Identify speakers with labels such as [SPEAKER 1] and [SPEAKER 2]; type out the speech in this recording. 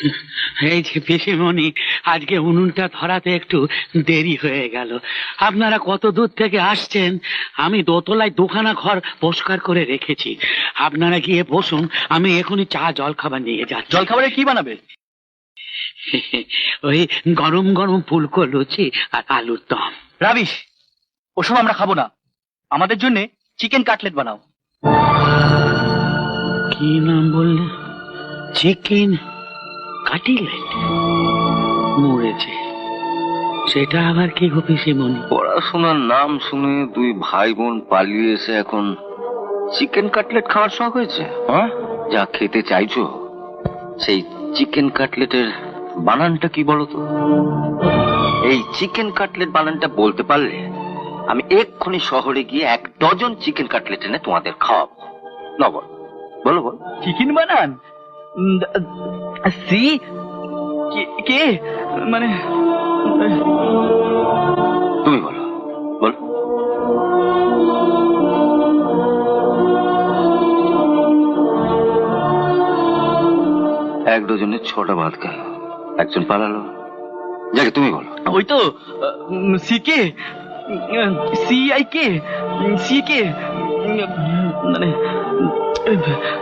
[SPEAKER 1] এই যে পিসিমণি, আজকে উনুনটা ধরাতে একটু দেরি হয়ে গেল। আপনারা কত দূর থেকে আসছেন? আমি দোতলায় দুখানা ঘর পরিষ্কার করে রেখেছি, আপনারা গিয়ে বসুন, আমি এখনই চা জল খাবার নিয়ে যাচ্ছি।
[SPEAKER 2] জল খাবারে কি বানাবে?
[SPEAKER 1] ওই গরম গরম ফুলকো লুচি আর আলুর দম।
[SPEAKER 2] রাবিশ, ওসব আমরা খাবো না। আমাদের জন্য চিকেন কাটলেট বানাও।
[SPEAKER 1] কি নাম বললে? Chicken cutlet? মরেছে, সেটা আবার কি গো পিসিমণি?
[SPEAKER 3] পড়াশোনার নাম শুনে দুই ভাই বোন পালিয়ে এসে এখন চিকেন কাটলেট খাওয়ার শখ হয়েছে?
[SPEAKER 2] হ্যাঁ,
[SPEAKER 3] যা খেতে চাইছো সেই চিকেন কাটলেটের বানানটা কি বলো তো? এই চিকেন কাটলেট বানানটা বলতে পারলে আমি এক্ষুনি শহরে গিয়ে 1 ডজন চিকেন কাটলেট এনে তোমাদের খাওয়াবো। না বল, বলো বল।
[SPEAKER 2] চিকেন বানান? সি কে মানে?
[SPEAKER 3] তুমি বলো, বল। এক ডজনে 6টা ভাত গেল, একজন পালালো। যাকে তুমি বলো।
[SPEAKER 2] ওই তো C K, C I K, C K মানে